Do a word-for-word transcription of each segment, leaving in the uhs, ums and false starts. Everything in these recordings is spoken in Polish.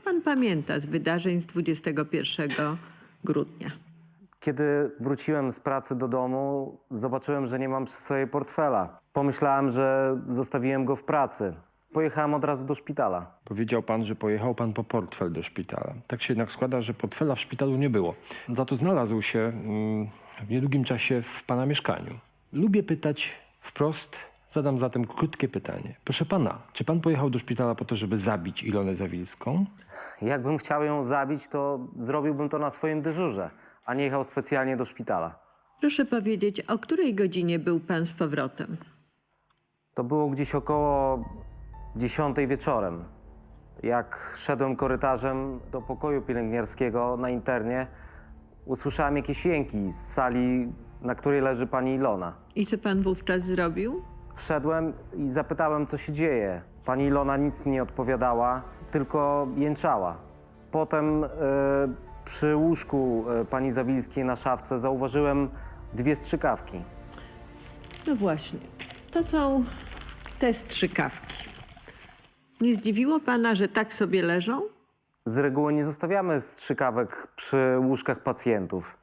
pan pamięta z wydarzeń z dwudziestego pierwszego grudnia? Kiedy wróciłem z pracy do domu, zobaczyłem, że nie mam przy sobie portfela. Pomyślałem, że zostawiłem go w pracy. Pojechałem od razu do szpitala. Powiedział pan, że pojechał pan po portfel do szpitala. Tak się jednak składa, że portfela w szpitalu nie było. Za to znalazł się mm, w niedługim czasie w pana mieszkaniu. Lubię pytać wprost, zadam zatem krótkie pytanie. Proszę pana, czy pan pojechał do szpitala po to, żeby zabić Ilonę Zawilską? Jakbym chciał ją zabić, to zrobiłbym to na swoim dyżurze, a nie jechał specjalnie do szpitala. Proszę powiedzieć, o której godzinie był pan z powrotem? To było gdzieś około dziesiątej wieczorem. Jak szedłem korytarzem do pokoju pielęgniarskiego na internie, usłyszałem jakieś jęki z sali, na której leży pani Ilona. I co pan wówczas zrobił? Wszedłem i zapytałem, co się dzieje. Pani Ilona nic nie odpowiadała, tylko jęczała. Potem e, przy łóżku e, pani Zawilskiej na szafce zauważyłem dwie strzykawki. No właśnie, to są te strzykawki. Nie zdziwiło pana, że tak sobie leżą? Z reguły nie zostawiamy strzykawek przy łóżkach pacjentów.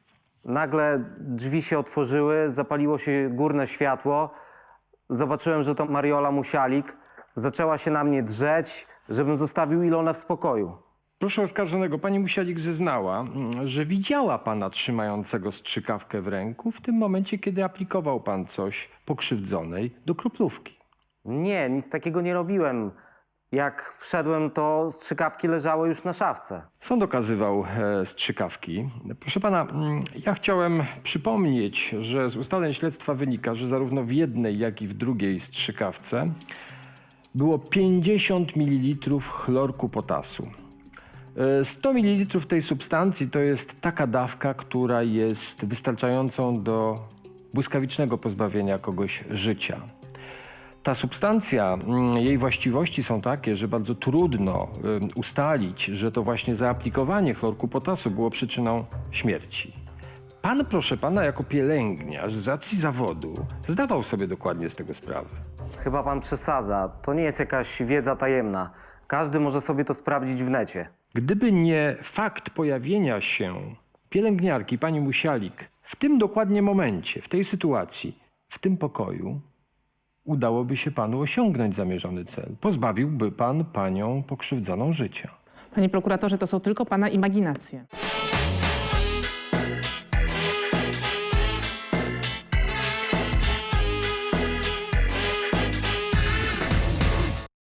Nagle drzwi się otworzyły, zapaliło się górne światło. Zobaczyłem, że to Mariola Musialik. Zaczęła się na mnie drzeć, żebym zostawił Ilonę w spokoju. Proszę oskarżonego, pani Musialik zeznała, mm, że widziała pana trzymającego strzykawkę w ręku w tym momencie, kiedy aplikował pan coś pokrzywdzonej do kroplówki. Nie, nic takiego nie robiłem. Jak wszedłem, to strzykawki leżały już na szafce. Sąd okazywał e, strzykawki. Proszę pana, mm, ja chciałem przypomnieć, że z ustaleń śledztwa wynika, że zarówno w jednej, jak i w drugiej strzykawce było pięćdziesiąt mililitrów chlorku potasu. E, sto mililitrów tej substancji to jest taka dawka, która jest wystarczającą do błyskawicznego pozbawienia kogoś życia. Ta substancja, jej właściwości są takie, że bardzo trudno y, ustalić, że to właśnie zaaplikowanie chlorku potasu było przyczyną śmierci. Pan, proszę pana, jako pielęgniarz z racji zawodu zdawał sobie dokładnie z tego sprawę. Chyba pan przesadza. To nie jest jakaś wiedza tajemna. Każdy może sobie to sprawdzić w necie. Gdyby nie fakt pojawienia się pielęgniarki, pani Musialik, w tym dokładnie momencie, w tej sytuacji, w tym pokoju, udałoby się panu osiągnąć zamierzony cel. Pozbawiłby pan panią pokrzywdzoną życia. Panie prokuratorze, to są tylko pana imaginacje.